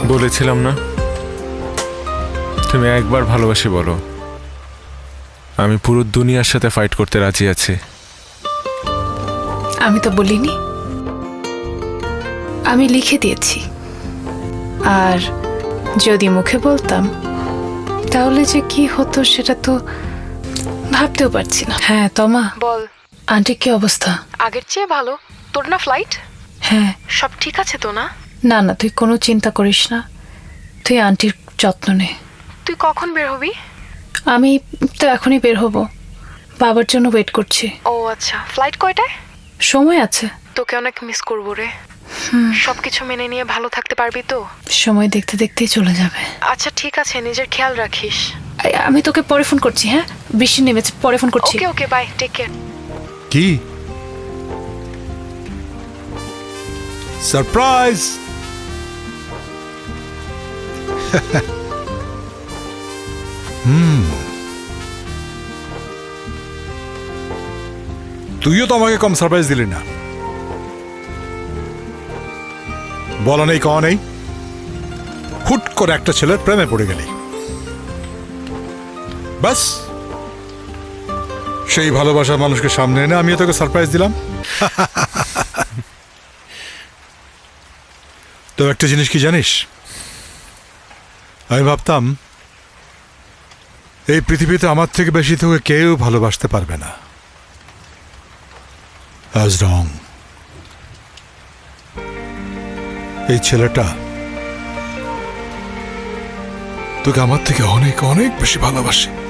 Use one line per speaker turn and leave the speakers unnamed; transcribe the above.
বলেছিলাম না, তুমি একবার ভালোবাসি বলো, আমি পুরো দুনিয়ার সাথে ফাইট করতে রাজি আছি।
আমি তো বলিনি, আমি লিখে দিয়েছি। আর যদি মুখে বলতাম তাহলে যে কি হতো সেটা তো ভাবতেও পারছি না। হ্যাঁ তমা
বল।
আন্টির কি অবস্থা?
আগের চেয়ে ভালো। তোর না ফ্লাইট?
হ্যাঁ।
সব ঠিক আছে তো না?
না না, তুই কোনো চিন্তা করিস না, তুই আন্টির যত্ন নে।
তুই কখন বের হবি?
আমি তো এখনই বের হব, বাবার জন্য ওয়েট করছি।
ও আচ্ছা, ফ্লাইট কয়টায়?
সময় আছে।
তোকে অনেক মিস করবো রে। সবকিছু মেনে নিয়ে ভালো থাকতে পারবি তো?
সময় দেখতে দেখতেই চলে যাবে।
আচ্ছা ঠিক আছে, নিজের খেয়াল রাখিস।
আমি তোকে পরে ফোন করছি। হ্যাঁ, বৃষ্টি নেমেছে, পরে ফোন করছি।
Okay okay, bye, take care.
কি সারপ্রাইজ! তুইও তো আমাকে কম সারপ্রাইজ দিলি না। বলা নেই কওয়া নেই, হুট করে একটা ছেলের প্রেমে পড়ে গেলি। বাস সেই ভালোবাসার মানুষকে সামনে এনে আমিও তোকে সারপ্রাইজ দিলাম। তো একটা জিনিস কি জানিস, আমি ভাবতাম এই পৃথিবীতে আমার থেকে বেশি তোকে কেউ ভালোবাসতে পারবে না। I was wrong. এই ছেলেটা তোকে আমার থেকে অনেক অনেক বেশি ভালোবাসে।